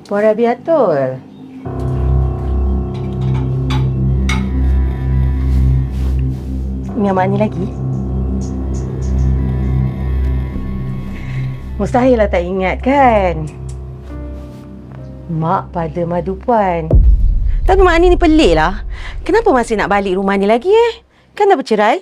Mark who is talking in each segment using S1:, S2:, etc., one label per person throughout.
S1: Puan Rabiatul. Ingat mak ni lagi? Mustahil lah tak ingat kan? Mak pada madu puan. Tapi mak ni pelik lah. Kenapa masih nak balik rumah ni lagi Kan dah bercerai?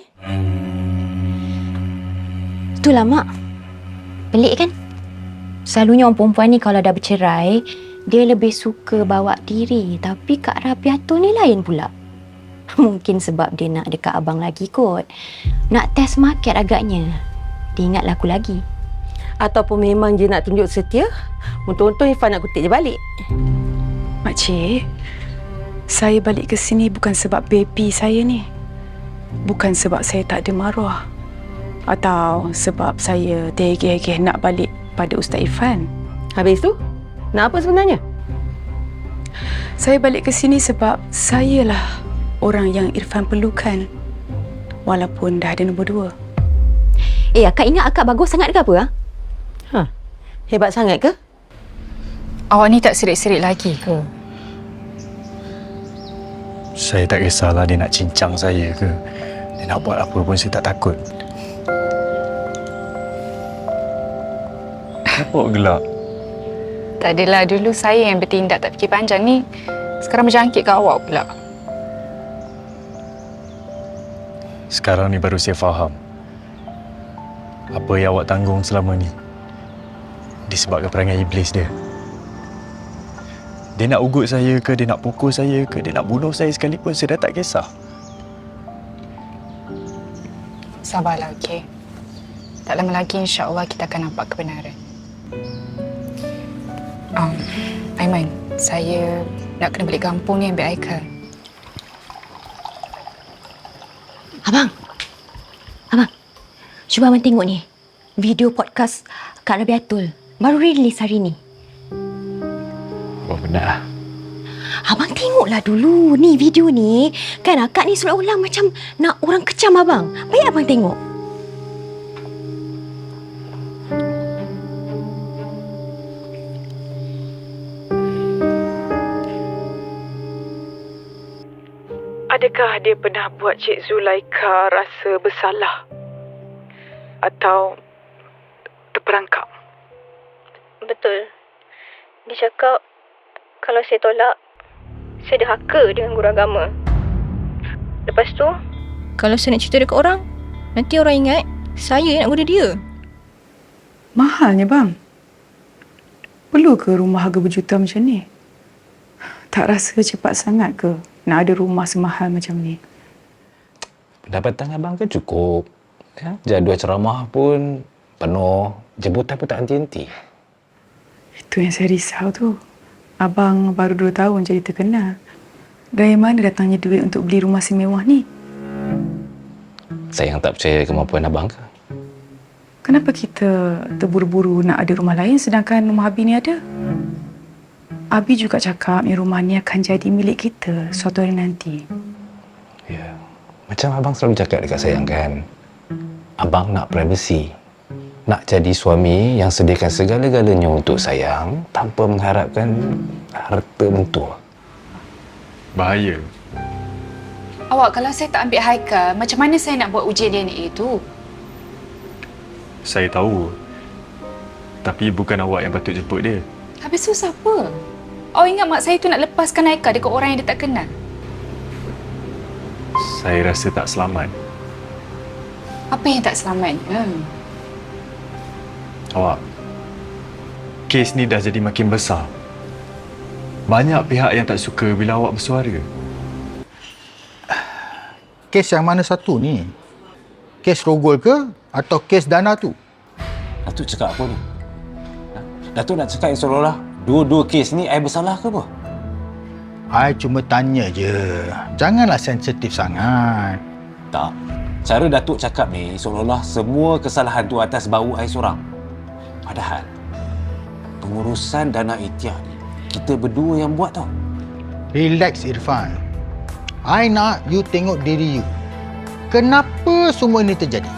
S2: Itulah mak. Pelik kan? Selalunya orang perempuan ni kalau dah bercerai, dia lebih suka bawa diri. Tapi Kak Rabiatul ni lain pula. Mungkin sebab dia nak dekat abang lagi kot. Nak test market agaknya. Dia ingat laku lagi.
S1: Ataupun memang dia nak tunjuk setia? Untung-untung Irfan nak kutip dia balik.
S3: Makcik, saya balik ke sini bukan sebab baby saya ni. Bukan sebab saya tak ada maruah. Atau sebab saya tergeh-geh nak balik pada Ustaz Irfan.
S1: Habis tu, nak apa sebenarnya?
S3: Saya balik ke sini sebab sayalah orang yang Irfan perlukan. Walaupun dah ada nombor 2.
S2: Akak ingat akak bagus sangat ke apa?
S1: Hebat sangat ke?
S3: Awak ni tak serik-serik lagi ke?
S4: Saya tak kisahlah dia nak cincang saya ke. Dia nak buat apa pun saya tak takut. Kenapa gelak?
S3: Tak adalah, dulu saya yang bertindak tak fikir panjang ni. Sekarang berjangkit ke awak pula.
S4: Sekarang ni baru saya faham. Apa yang awak tanggung selama ni disebabkan perangai iblis dia. Dia nak ugut saya ke, dia nak pukul saya ke, dia nak bunuh saya sekalipun, saya dah tak kisah.
S3: Sabarlah, okey? Tak lama lagi insya-Allah kita akan nampak kebenaran. Aiman, saya nak kena balik kampung ni ambil Aikal.
S2: Abang, cuba abang tengok ni. Video podcast Kak Rabiatul. Baru rilis hari ni.
S4: Oh, benar.
S2: Abang tengoklah dulu. Ni video ni. Kan akak ni seolah-olah macam nak orang kecam abang. Baik abang tengok.
S3: Adakah dia pernah buat Cik Zulaika rasa bersalah? Atau terperangkap?
S5: Betul. Dia cakap kalau saya tolak, saya ada haka dengan guru agama. Lepas tu, kalau saya nak cerita dekat orang, nanti orang ingat saya yang nak guna dia.
S3: Mahalnya bang. Perlu ke rumah harga berjuta macam ni? Tak rasa cepat sangat ke nak ada rumah semahal macam ni?
S6: Pendapatan abang kan cukup. Ya? Jadual ceramah pun penuh. Jemputan pun tak henti-henti.
S3: Itu yang saya risau tu. Abang baru 2 tahun jadi terkenal. Dari mana datangnya duit untuk beli rumah semewah ni?
S6: Saya yang tak percaya kemampuan abang ke?
S3: Kenapa kita terburu-buru nak ada rumah lain sedangkan rumah Abi ni ada? Abi juga cakap yang rumah ni akan jadi milik kita suatu hari nanti.
S6: Ya. Macam abang selalu cakap dekat saya kan. Abang nak privacy. Nak jadi suami yang sediakan segala-galanya untuk sayang tanpa mengharapkan harta mentua.
S4: Bahaya.
S3: Awak, kalau saya tak ambil Haikal, macam mana saya nak buat ujian DNA itu?
S4: Saya tahu. Tapi bukan awak yang patut jemput dia.
S3: Habis tu siapa? Awak ingat mak saya tu nak lepaskan Haikal dekat orang yang dia tak kenal?
S4: Saya rasa tak selamat.
S3: Apa yang tak selamat?
S4: Awak, kes ni dah jadi makin besar. Banyak pihak yang tak suka bila awak bersuara.
S7: Kes yang mana satu ni? Kes rogol ke atau kes dana tu?
S6: Datuk cakap apa ni? Datuk nak cakap yang seolah-olah dua-dua kes ni I bersalah ke apa?
S7: I cuma tanya je. Janganlah sensitif sangat.
S6: Tak. Cara Datuk cakap ni seolah-olah semua kesalahan tu atas bau I seorang. Padahal pengurusan dana Itiah ni kita berdua yang buat tau.
S7: Relax Irfan. I nak you tengok diri you. Kenapa semua ini terjadi?